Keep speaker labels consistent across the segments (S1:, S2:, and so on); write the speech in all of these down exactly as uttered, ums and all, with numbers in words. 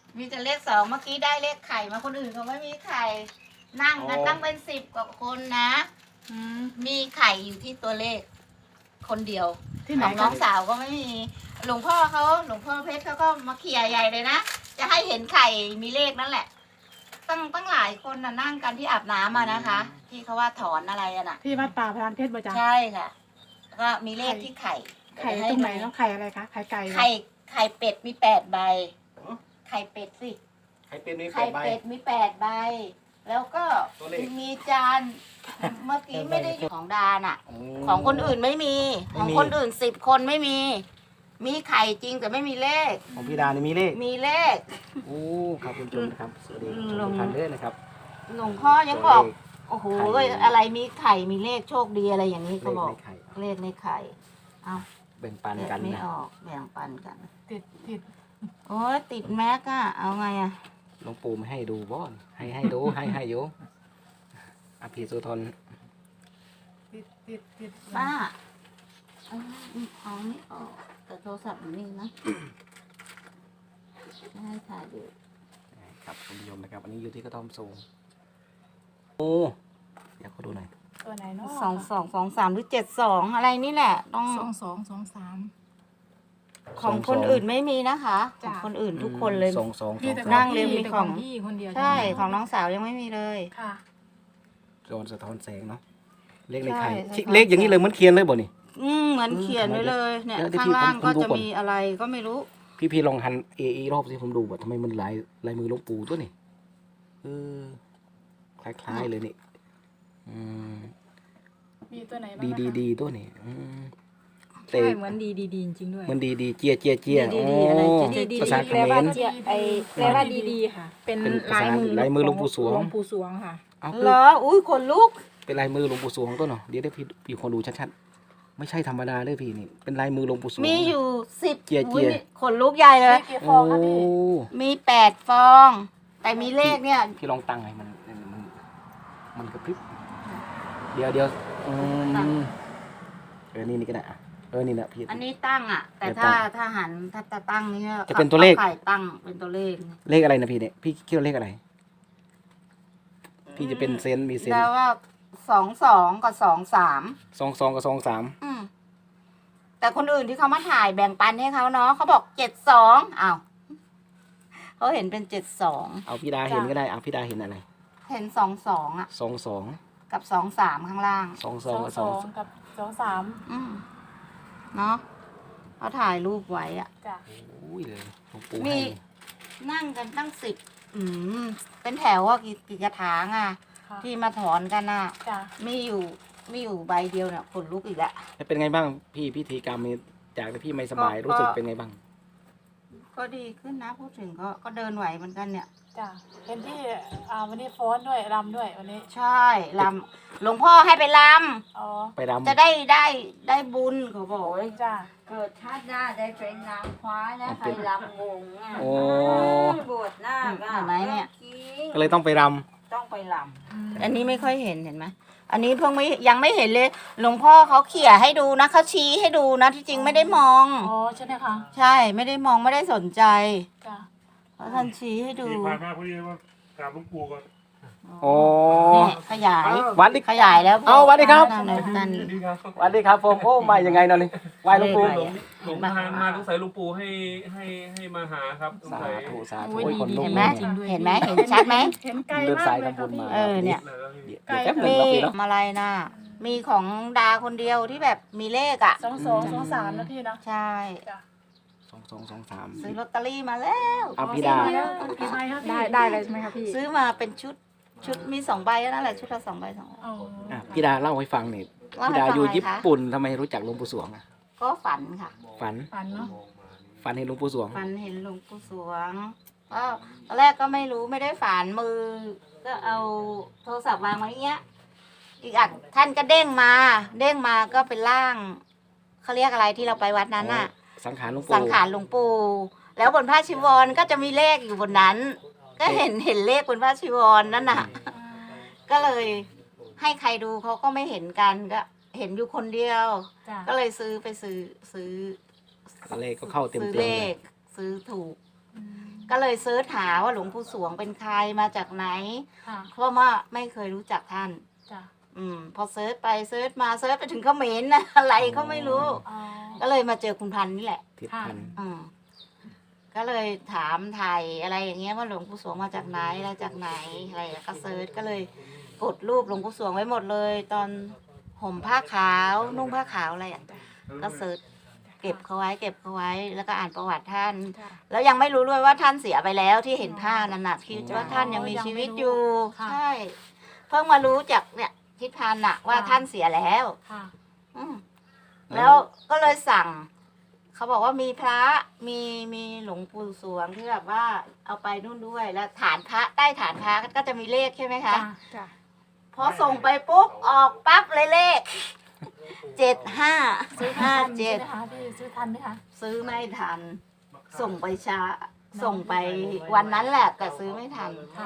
S1: มีแต่เลขสองเมื่อกี้ได้เลขไข่มาคนอื่นเขาไม่มีไข่นั่งกันตั้งเป็นสิบกว่าคนนะมีไข่อยู่ที่ตัวเลข คนเดียวที่ของน้องสาวก็ไม่มีหลวงพ่อเขาหลวงพ่อเพชรเขาก็มาเขี่ยใหญ่เลยนะจะให้เห็นไข่มีเลขนั่นแหละตั้งตั้งหลายคนน่ะนั่งกันที่อาบน้ำมานะคะ ที่เขาว่าถอนอะไรอะน่ะ
S2: ที่วัดป่าพรานเพชรบ่จ๊ะ
S1: ใช่ค่ะก็มีเลขที่ไข่
S2: ไข่ตรงไหนแล้วไข่อะไรคะไข่ไก่
S1: ไข่ไข่เป็ดมีแปดใบไข่เป็ดสิ
S3: ไข่เป็ดมีแป
S1: ไข่
S3: ดใบ
S1: เป็ดมีแปดใบแล้วก็มีจานเมื่อกี้ไม่ได้ของดานอ่ะของคนอื่นไม่มีของคนอื่นสิบคนไม่มีมีไข่จริงแต่ไม่มีเลข
S3: ของพี่ดานี่มีเลข
S1: มีเลข
S3: โอ้ครับคุณผู้ชมนะครับสวัสดีทุกท่านด้วยนะครับ
S1: หลวงพ่อยังบอกโอ้โหอะไรมีไข่มีเลขโชคดีอะไรอย่างนี้เขาบอกเลขในไข่เอา
S3: แบ่งปันกัน
S1: ไม่
S3: นะ
S1: ออกแบ่งปันกัน
S2: ติดติด
S1: โอ้ยติดแม็กอะเอาไงอะ
S3: หลวงปู่ไม่ให้ดูบ้อนให้ให้ดูให้ให้อยู่อภิสุทน
S2: ติดติดติด
S1: ป้าเอานี่ออกแต่โทรศัพท์อยู่นี่นะไม่ให้ถ่ายดู
S3: ครับคุณผู้ชมนะครับอันนี้อยู่ที่กระท่อมสูงโอ้อยากเขาดูหน่อย
S2: ตัวไหนเนาะ
S1: สองสองสองสามหรือเจ็ดสองอะไรนี่แหละต้อง
S2: สองสองสองสาม
S1: ของคนอื่นไม่มีนะคะของคนอื่นทุกคนเลย
S3: สองสอง
S1: นั่งเรียงมีของ
S2: พี่คนเดียว
S1: ใช่ของน้องสาวยังไม่มีเลย
S2: ค่ะ
S3: โดนสะท้อนแสงเนาะเลขในไข่เลขอย่างนี้เลยเหมือนเขียนเลยบ่นี่
S1: อืมเหมือนเขียนไว้เลยเนี่ยข้างล่างก็จะมีอะไรก็ไม่รู้
S3: พี่พี่ลองหันเออีรอบสิผมดูว่าทำไมมันลายลายมือหลวงปู่ตัวนี่เออคล้ายๆเลยนี่อืม
S2: มีตัวไหนบ้าง
S3: ดีดีดีตัวนี่
S2: ใช่เหมือนดีดีดีจริงด้วย
S3: มันดีดีเจียเจียเจีย
S1: ดีดีอะไร
S3: ภาษาเขมร
S2: ไอแปลว่าดีดีค่ะเป็นลายมือ
S3: ลายมือหลวงปู่สวง
S2: หลวงปู่สวงค่ะ
S1: เหรออุ้ยคนลุก
S3: เป็นลายมือหลวงปู่สวงตัวเนาะเดี๋ยวได้พี่พี่คนดูชัดๆไม่ใช่ธรรมดาเลยพี่นี่เป็นลายมือหลวงปู่สวง
S1: มีอยู่สิบ
S3: เจียเจีย
S1: คนลุกใหญ่เลย
S3: โอ้
S1: มีแปดฟองแต่มีเลขเนี่ย
S3: พี่ลองตั้งไงมันมันมันกระพริบเดี๋ยวเดี๋ยวอืมเออนี่นี่ก็ได้เออนี่นะพี่
S1: อันนี้ตั้งอ่ะแต่ถ้าถ้าหันถ้าจะตั้งนี่
S3: จะเป็นตัวเลข
S1: ไข่ตั้งเป็นตัวเลข
S3: เลขอะไรนะพี่เนี่ยพี่คิดว่าเลขอะไรพี่จะเป็นเซนมีเซน
S1: แล้วว่าสองสองกับสองสาม
S3: สองสองกับสองสาม
S1: อืมแต่คนอื่นที่เขามาถ่ายแบ่งปันให้เขาเนาะเขาบอกเจ็ดสองอ้าวเขาเห็นเป็นเจ็ดสอง
S3: เอาพี่ดาเห็นก็ได้เอาพี่ดาเห็นอะไร
S1: เห็นสองสองอ่ะ
S3: สองสอง
S1: กับสองสามข้างล่าง
S3: สองสองกับสอง
S2: กับสองสาม
S1: อืมเนาะเขาถ่ายรูปไว้อ่ะ
S2: จ้ะ
S3: อุ้ยเลย
S1: มีนั่งกันตั้งสิบอืมเป็นแถวว่ากี่กี่กระถางอ่ะที่มาถอนกันอ่ะมีอยู่มีอยู่ใบเดียวเนี่ยขนลุกอีกแล้ว
S3: เป็นไงบ้างพี่พิธีกรรมนี้จากที่พี่ไม่สบายรู้สึกเป็นไงบ้าง
S1: ก็ดีขึ้นนะพูดถึงก็ก็เดินไหวเหมือนกันเนี่ย
S2: จ้ะเป็นที่อ่าวันนี้ฟ้อนด้วยรำด้วยวันนี้
S1: ใช่รำหลวงพ่อให้ไปรำ
S2: อ๋อ
S3: ไปรำ
S1: จะได้ได้ได้บุญเขาบอก
S2: จ้ะ
S1: เกิดชาติหน้าได้เป็นนางฟ้านะใครรำวงอ่ะ
S3: โอ้
S1: บวชหน้าเห็นไหมเนี่ย
S3: ก็เลยต้องไปรำ
S1: ต้องไปรำอันนี้ไม่ค่อยเห็นเห็นไหมอันนี้เพิ่งไม่ยังไม่เห็นเลยหลวงพ่อเขาเขี่ยให้ดูนะเขาชี้ให้ดูนะที่จริงไม่ได้มอง
S2: อ๋อใช่ไหมคะ
S1: ใช่ไม่ได้มองไม่ได้สนใจ
S2: จ้ะ
S1: เพราะท่านชี้ให้ดู
S4: ผ่านมาพอดีว่ากราบหลวงปู่ก่อน
S3: โอ้
S1: ขยาย
S3: วัดดิ
S1: ขยายแล้ว
S3: เอาวัดดิครับ
S1: ท่าน
S3: วัดดิครับผมโอ้มายังไงเนาะนี่ไหว้หลวงปู่
S4: หลวงทางมาสงสัยหลวงปู่ให้ให้ให้มาหาครับ
S3: สาธุสาธุ
S1: คนลุกเห็นไหมเห็นไหมเห็นชัดไหม
S2: เห็นไกลมากเลยค่ะ
S1: เออเนี่ย
S3: มี
S1: อะไรนะมีของดาคนเดียวที่แบบมีเลขอ่ะ
S2: สองสองสองสามนะพี่นะ
S1: ใช่
S3: สองสองสองสาม
S1: ซื้อลอตเตอรี่มาแล้ว
S3: เอาพี่ดา
S2: ได้ได้เลยใช่ไหมคะพี่
S1: ซื้อมาเป็นชุดชุดมีสองใบนั่นแหละชุดละสองใบสองใบ
S3: พี่ดาเล่าให้ฟังหน่อยพี่ดาอยู่ญี่ปุ่นทำไมรู้จักหลวงปู่สวงอ่ะ
S1: ก็ฝันค่ะ
S3: ฝัน
S2: ฝันเนาะ
S3: ฝันเห็นหลวงปู่สวง
S1: ฝันเห็นหลวงปู่สวงก็ตอนแรกก็ไม่รู้ไม่ได้ฝันมือก็เอาโทรศัพท์วางไว้เงี้ยอีกอันท่านก็เด้งมาเด้งมาก็เป็นร่างเขาเรียกอะไรที่เราไปวัดนั้นน่ะ
S3: สังขารหลวงปู่
S1: สังขารหลวงปู่แล้วบนผ้าชีวรก็จะมีเลขอยู่บนนั้นก็เห็นเห็นเลขบนผ้าชีวรนั่นน่ะก็เลยให้ใครดูเขาก็ไม่เห็นกันก็เห็นอยู่คนเดียวก็เลยซื้อไปซื้อซื้อ
S3: เลขก็เข้าเต็ม
S1: ซื้อเลขซื้อถูกก็เลยเซิร์ชหาว่าหลวงปู่สวงเป็นใครมาจากไหน
S2: ค่ะ
S1: เพราะว่าไม่เคยรู้จักท่าน
S2: จ้ะ
S1: อืม พอเซิร์ชไปเซิร์ชมาเซิร์ชไปถึงเขมรนะอะไรก็ไม่รู้
S2: อ๋อ
S1: ก็เลยมาเจอคุณพันธุ์นี่แหละ
S3: ทิศพันธุ์
S1: อืมก็เลยถามไทยอะไรอย่างเงี้ยว่าหลวงปู่สวงมาจากไหนอะไรจากไหนอะไรแล้วก็เซิร์ชก็เลยกดรูปหลวงปู่สวงไว้หมดเลย ตอนห่มผ้าขาวนุ่งผ้าขาวอะไรอ่ะก็เซิร์ชเก็บเขาไว้เก็บเขาไว้ แล้วก็อ่านประวัติท่าน
S2: จ้ะ
S1: แล้วยังไม่รู้ด้วยว่าท่านเสียไปแล้วที่เห็นผ้านั่นน่ะคิดว่าท่านยังมีชีวิตอยู่
S2: ค่ะ
S1: ใช่ เพิ่งมารู้จากเนี่ยทิศพันธ์น่ะว่า
S2: ค่ะ
S1: ท่านเสียแล้ว
S2: ค่ะ
S1: อืมแล้วก็เลยสั่ง เขาบอกว่ามีพระมีมีหลวงปู่สวงที่แบบว่าเอาไปนู่นด้วย แล้วฐานพระใต้ฐานพระก็จะมีเลขใช่ไหมคะ
S2: จ้ะจ้ะ
S1: พอส่งไปปุ๊บออกปั๊บเลยเลขเจ็ดห้า
S2: ซื้อ
S1: ห้า
S2: ทัน
S1: เจ็ด
S2: ใช่ไหมคะพี่ซื้อทันไหมคะ
S1: ซื้อไม่ทัน ส่งไปช้า ส่งไปวันนั้นแหละแต่ซื้อไม่ทัน
S2: ค่ะ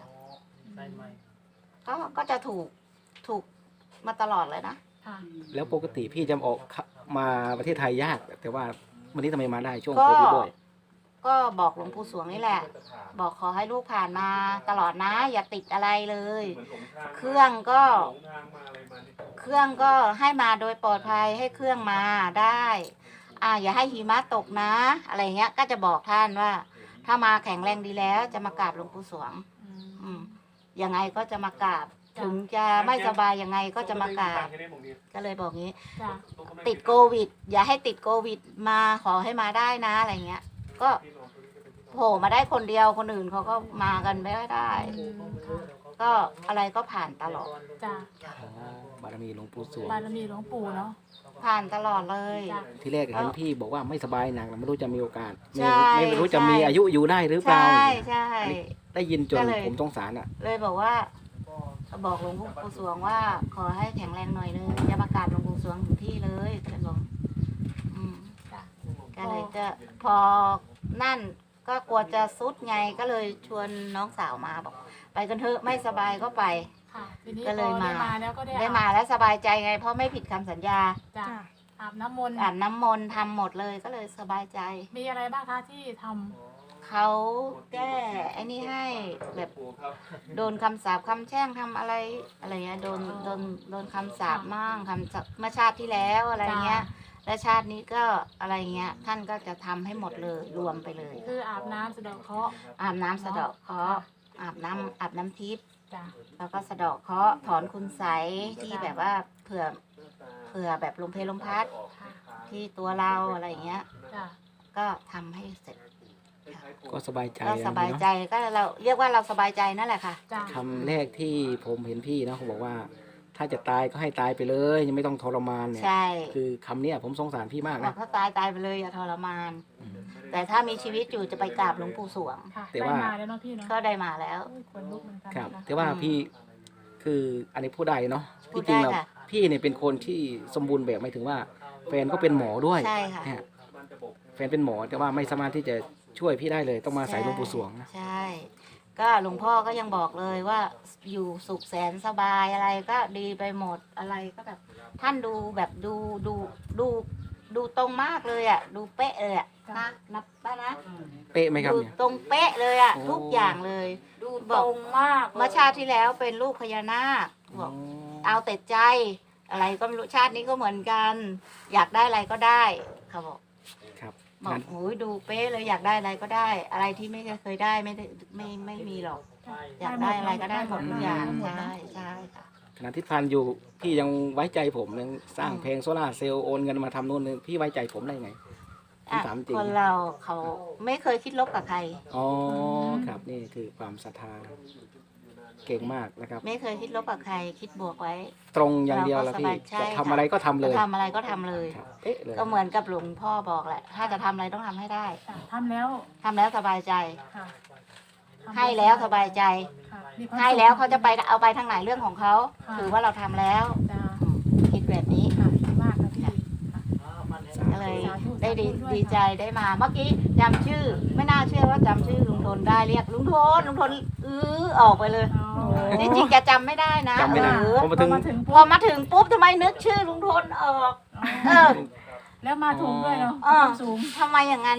S1: ก็ก็จะถูกถูกมาตลอดเลยนะ
S2: ค่ะ
S3: แล้วปกติพี่จะออกมาประเทศไทยยาก แต่ว่าวันนี้ทำไมมาได้ช่วง
S1: ก็
S3: โควิดด้วย
S1: ก็บอกหลวงปู่สวงนี่แหละ บอกขอให้ลูกผ่านมาตลอดนะ อย่าติดอะไรเลย เครื่องก็ เครื่องก็ให้มาโดยปลอดภัยให้เครื่องมาได้ อ่าอย่าให้หิมะตกนะ อะไรเงี้ย ก็จะบอกท่านว่า ถ้ามาแข็งแรงดีแล้วจะมากราบหลวงปู่สวง
S2: อืม
S1: อืมยังไงก็จะมากราบ
S2: จ้ะ
S1: ถึงจะไม่สบายยังไงก็จะมากราบ ก็เลยบอกงี้
S2: จ้ะ
S1: ติดโควิด อย่าให้ติดโควิดมาขอให้มาได้นะอะไรเงี้ย ก็โผล่มาได้คนเดียวคนอื่นเขาก็มากันไม่ได้
S2: อืมค่ะ
S1: ก็อะไรก็ผ่านตลอด
S2: จ้ะ
S3: อ๋อบารมีหลวงปู่สวง
S2: บารมีหลวงปู่เนาะ
S1: ผ่านตลอดเลย
S2: จ้ะ
S3: ที่แรกเห็นพี่บอกว่าไม่สบายหนักไม่รู้จะมีโอกาส
S1: ใช่
S3: ไม่ไม่รู้จะมี
S1: ใช่
S3: อายุอยู่ได้หรือเปล่า
S1: ใช่ใช่
S3: อันนี้ได้ยินจน
S1: ก็เลย
S3: ผมสงสารอ่ะ
S1: เลยบอกว่า บอกหลวงปู่สวงว่า ขอให้แข็งแรงหน่อยนึงจะประกาศหลวงปู่สวงถึงที่เลยเป็นบอกอืม
S2: จ้ะ
S1: ก็เลยจะพอนั่นก็กลัวจะซุดไงก็เลยชวนน้องสาวมาบอก ไปกันเถอะไม่สบายก็ไป
S2: ค่ะทีนี้
S1: ก็เลย
S2: พอได้
S1: มา
S2: มาแล้วก็ได้
S1: ได้มาแล้วสบายใจไง เพราะไม่ผิดคำสัญญา
S2: จ้ะอาบน้ำมนต์
S1: อาบน้ำมนต์ทำหมดเลยก็เลยสบายใจ
S2: มีอะไรบ้างคะที่ทำ
S1: เขาแก้ไอ้นี่ให้แบบโดนคำสาปคำแช่งทำอะไรอะไรเงี้ยโดนโดนโดนคำสาปมั่งคำสาปเมื่อชาติที่แล้วอะไรเงี้ย และชาตินี้ก็อะไรเงี้ย ท่านก็จะทำให้หมดเลยรวมไปเลย
S2: คืออาบน้ำสะเดาะเคราะห์
S1: อาบน้ำสะเดาะเคราะห์อาบน้ำอาบน้ำทิพย์
S2: จ้ะ
S1: แล้วก็สะเดาะเคราะห์ถอนคุณไสยที่
S2: จ้ะ
S1: แบบว่าเผื่อเผื่อแบบลมเพลลมพัด
S2: ค่ะ
S1: ที่ตัวเราอะไรเงี้ย
S2: จ้ะ
S1: ก็ทำให้เสร็จ
S3: ก็สบายใจ
S1: ก็สบาย
S3: นะ
S1: ใจก็เราเรียกว่าเราสบายใจนั่นแหละค่ะ
S2: จ้ะ
S3: คำแรกที่ผมเห็นพี่นะเขาบอกว่า ถ้าจะตายก็ให้ตายไปเลยยังไม่ต้องทรมานเนี่ย
S1: ใช่
S3: คือคำเนี้ยผมสงสารพี่มาก
S1: บอ
S3: นะ
S1: กถ้าตายตายไปเลยอย่าทรมาน
S3: อืม
S1: แต่ถ้ามีชีวิตอยู่จะไปกราบหลวงปู่สวง
S2: ค่ะ
S3: แต่
S2: ได้
S3: ว่า
S2: มาแล้วเนาะพี่เนาะ
S1: ก็ได้มาแล้ว
S2: โอ้ยขนลุกเหมือนกัน
S3: ครับ
S2: นะคะ
S3: แต่ว่าพี่คืออันนี้พูดได้เนาะ
S1: พูด
S3: ที่จริง
S1: ได้
S3: เรา
S1: ค่ะ
S3: พี่เนี่ยเป็นคนที่สมบูรณ์แบบหมายถึงว่า แฟนก็เป็นหมอด้วย
S1: ใช่ค่ะ
S3: เนี่ยแฟนเป็นหมอแต่ว่าไม่สามารถที่จะช่วยพี่ได้เลยต้องมาใส่หลวงปู่สวงนะ
S1: ใช่ ก็หลวงพ่อก็ยังบอกเลยว่าอยู่สุขแสนสบายอะไรก็ดีไปหมดอะไรก็แบบ ท่านดูแบบดูดูดูดูตรงมากเลยอ่ะ ดูเป๊ะเลยอ่ะนะนับป้านะ
S3: เป๊ะไหมครับ
S1: ดู
S3: เนี่ย
S1: ตรงเป๊ะเลยอ่ะ
S3: โอ้
S1: ทุกอย่างเลย
S2: ดู
S1: บ
S2: ต
S1: อก
S2: รงมากเลย
S1: เมื่อชาติที่แล้วเป็นลูกพญานาคบอก เอาแต่ใจ อะไรก็ไม่รู้ชาตินี้ก็เหมือนกัน อยากได้อะไรก็ได้เขาบอก
S3: ครับ
S1: บอก
S3: งั้น
S1: โอ้ยดูเป๊ะเลยอยากได้อะไรก็ได้ อะไรที่ไม่เคยได้ไม่ได้ไม่ไม่มีหรอก อยากได้อะไรก็ได้หมดทุกอย่างใช่ใช่ค่ะ
S3: ขณะที่พันอยู่พี่ยังไว้ใจผมยังสร้าง
S1: อืม
S3: เพลงโซล่าร์เซลล์โอนเงินมาทำโน่นนี่พี่ไว้ใจผมได้ไง ผม
S1: อ่ะ
S3: ถามจริง
S1: คนเราเขาไม่เคยคิดลบกับใคร
S3: อ๋อครับนี่คือความศรัทธาเก่งมากนะครับ
S1: ไม่เคยคิดลบกับใคร คิดบวกไว้
S3: ตรงอย่างเดียว
S1: เรา
S3: แล้ว
S1: ก็
S3: พี่
S1: สบายใจ
S3: จะทำอะไรก็ทำเลย
S1: จะทำอะไรก็ทำเลย
S3: ครับเป๊ะเลย
S1: ก็เหมือนกับหลวงพ่อบอกแหละ ถ้าจะทำอะไรต้องทำให้ได้
S2: จ้ะทำแล้ว
S1: ทำแล้วสบายใจ
S2: ค่ะทำ
S1: ให้แล้วสบายใจ
S2: ค่ะมีความ
S1: ให้
S2: สุข
S1: แล้วเขาจะไปเอาไปทางไหนเรื่องของเขา
S2: ค่ะ
S1: ถือว่าเราทำแล้ว
S2: จ้ะ
S1: อืมคิดแบบนี้
S2: ค่ะดีมากค่ะพี่ค่ะ
S1: ก็เลย
S2: สาธุ
S1: ได้ดี
S2: สาธุด้วย
S1: ดีใจได้มา เมื่อกี้จำชื่อ ไม่น่าเชื่อว่าจำชื่อลุงทนได้เรียกลุงทนลุงทนอื้อออกไปเลย
S2: อ๋อ
S1: จริงๆแกจำไม่ได้นะ
S3: จำไม่ได้
S1: เออ
S3: ผมมาถึง
S2: พอมาถึง
S1: พ
S2: ปุ๊
S1: อบ มาถึงปุ๊บทำไมนึกชื่อลุงทนออก เออ
S2: แล้วมาถูกด้วยเนาะ
S1: เออ
S2: สูง
S1: ทำไมอย่างนั้นเนี่ย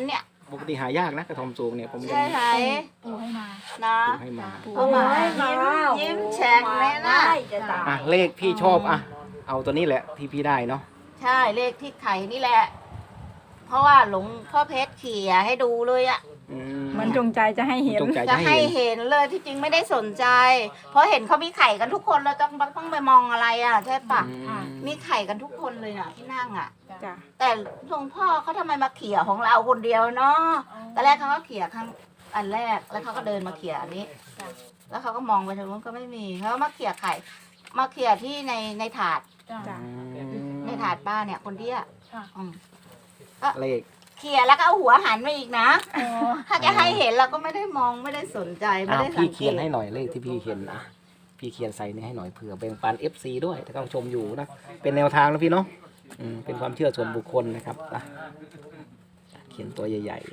S3: ปกติหายากนะกระทอมสูงเนี่ยผมยัง
S1: ใช่ไหม
S2: ปูให้มา
S1: นะ
S3: ปลูกให้มา
S1: เอามายิ้มยิ้มแฉ่งเลยนะ
S3: อ่ะเลขพี่ชอบอ่ะเอาตัวนี้แหละที่พี่ได้เนาะ
S1: ใช่เลขที่ไข่นี่แหละ เพราะว่าหลวงพ่อเพชรเขี่ยให้ดูเลยอะ
S3: อื
S5: เหมันจงใจจะให้เห็น
S3: จงใจ
S1: จะ
S3: จะให้
S1: ให้
S3: เห็น
S1: เห็นเลยที่จริงไม่ได้สนใจ เพราะเห็นเขามีไข่กันทุกคนแล้วต้องต้องไปมองอะไรอ่ะใช่ปะ
S3: อืม
S1: มีไข่กันทุกคนเลยน่ะที่นั่งอ่ะ
S5: จ้ะ
S1: แต่หลวงพ่อเขาทำไมมาเขี่ยของเราคนเดียวเนาะตอนแรกเขาก็เขี่ยครั้งอันแรกแล้วเขาก็เดินมาเขี่ยอันนี้ แล้วเขาก็มองไปทางนู้นก็ไม่มีเขาก็มาเขี่ยไข่ มาเขี่ยที่ในในถาด
S2: จ้ะ
S5: จ้ะ
S1: ในถาดป้าเนี่ยคนเดียว
S2: ค่ะ
S1: อืม
S3: เลข
S1: เขี่ยแล้วก็เอาหัวหันมาอีกนะ
S2: โอ้
S1: ถ้าจะให้เห็นเราก็ไม่ได้มองไม่ได้สนใจไม่
S3: อ้าว
S1: ได้สั
S3: พี่
S1: งเก
S3: เขียน
S1: ต
S3: ให้หน่อยเลขที่พี่เขียนอ่ะพี่เขียนใส่นี่ให้หน่อยเผื่อแบ่งปัน เอฟ ซี ด้วยถ้าต้องชมอยู่นะเป็นแนวทางนะพี่เนาะอืมเป็นความเชื่อส่วนบุคคลนะครับอ่ะเขียนตัวใหญ่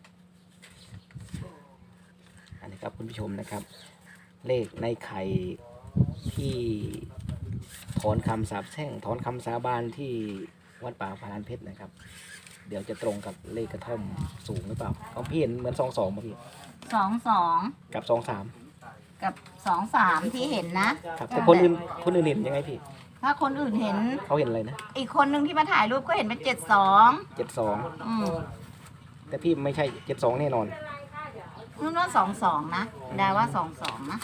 S3: ๆอันนี้ครับคุณผู้ชมนะครับ เลขในไข่ที่ถอนคำสาปแช่งถอนคำสาบานที่วัดป่าพารานเพชรนะครับ เดี๋ยวจะตรงกับเลขกระท่อมสูงหรือเปล่าของพี่เห็นเหมือนสองสองป่ะพี่
S1: สองสอง
S3: กับสองสาม
S1: กับสองสามที่เห็นนะ
S3: ครับแต่คนอื่นคนอื่นเห็นยังไงพี่
S1: ถ้าคนอื่นเห็น
S3: เขาเห็นอะไรนะ
S1: อีกคนนึงที่มาถ่ายรูปก็เห็นเป็นเจ็ดสอง
S3: เจ็ดสอง
S1: อืม
S3: แต่พี่ไม่ใช่เจ็ดสองแน่นอน
S1: นู่นว่าสองสองนะดาว่าสองสองนะ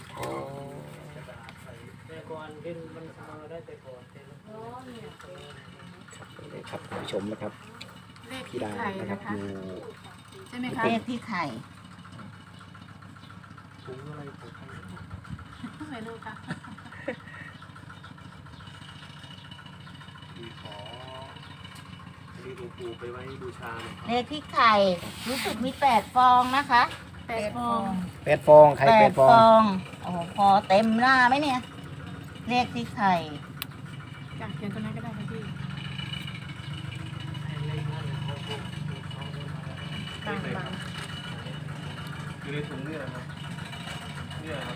S3: ครับคุณผู้ชมนะครับ
S2: เลข
S3: พี่
S2: ที่
S3: ดา
S2: ไข่
S3: นะครับ
S2: นะคะ
S3: อยู่
S2: ใช่ไหมคะ
S1: เลขที่ไข่
S2: ไม่รู้ค่ะ
S4: ขอมีหลวงปู่ไปไว้บูชาหน่อย
S1: เลขที่ไข่รู้สึกมีแปดฟองนะคะ
S2: แปดฟอง
S3: แปดฟองไข่แปดฟอง
S1: งโอ้โหพอเต็มหน้าไหมเนี่ย เลขที่ไข่
S2: จ้ะเขียนตัวนั้นก็ได้ค่ะพี่บางบาง
S4: อยู่ในถุงนี่แหละครับเนี่ยครับ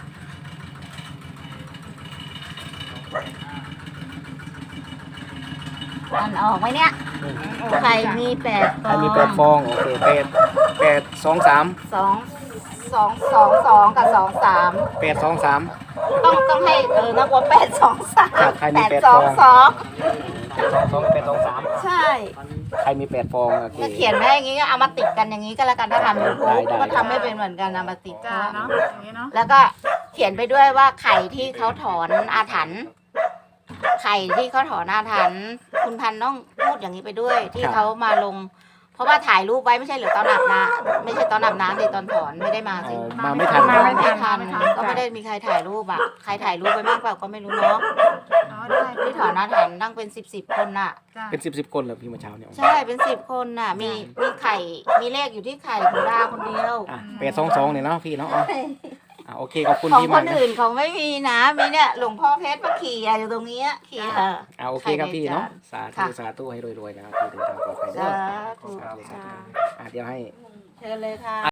S1: อันออกไหมเนี่ย ไข่มีแปดฟ
S3: ไข่
S1: อง
S3: มีแปดฟองโอเคแปดแปดสองสาม
S1: สองสองสองสองกับสองสาม
S3: แปดสองสาม
S1: ต้องต้องให้เออนักว่าแปดสองสาม
S3: ครับใครมี
S1: แปด
S3: แปด
S1: สอง
S3: ฟอง
S1: สอง
S3: แปดสองสองแปดสองสาม
S1: ใช่
S3: ใครมีแปดฟองโอเค
S1: ก็เขียนไว้อย่างงี้ก็เอามาติดกันอย่างนี้ก็แล้วกันถ้าทำยูทูบ
S3: ได้ได้
S1: ก็ทำไม่เป็นเหมือนกันเอามาติด
S2: จ้า
S1: เนาะ
S2: เนาะอย่างนี้เนาะ
S1: แล้วก็เขียนไปด้วยว่าไข่ที่เขาถอนอาถรรพ์ไข่ที่เขาถอนอาถรรพ์คุณพันธุ์ต้องพูดอย่างนี้ไปด้วย ที่เขามาลง เพราะว่าถ่ายรูปไว้ไม่ใช่เหรือตอนอาบน้ำไม่ใช่ตอนอาบน้ำดิตอนถอนไม่ได้มา
S3: เอ
S1: สิ
S3: อมาไม่ทัน
S1: มา
S3: เนอะ
S1: ไม่ทันก็ไม่ได้มีใครถ่ายรูปอ่ะใครถ่ายรูปไปมากกว่าก็ไม่รู้เนาะ
S2: อ๋อได้
S1: ที่ถอนอาถรรพ์ตั้งเป็นสิบสิบคนน่ะ
S2: จ้า
S3: เป็นสิบสิบคนเหรอพี่เมื่อเช้าเนี่ย
S1: ใช่เป็นสิบคนน่ะ มีมีไข่มีเลขอยู่ที่ไข่ของดาคนเดียว
S3: อ่ะแปดสองสองเนี่ยเนาะพี่เนาะอ่ะอ่ะโอเคขอบคุณ
S1: ของ
S3: พี่
S1: ค
S3: มาก
S1: น
S3: นะ
S1: อื่นเขาไม่มีนะ มีเนี่ยหลวงพ่อเพชรมาขี่อยู่ตรงนี้ขี่
S3: อ่ะโอเคครับพี่เนาะสาธุ
S1: ค่ะ
S3: สาธุให้รวยๆนะครับพี่เดินทางปลอดภัยเด้
S1: สา
S3: อ
S1: ธุ
S3: สาธุสาธุอ่ะเดี๋ยวให้
S1: เชิญเลยค่ะ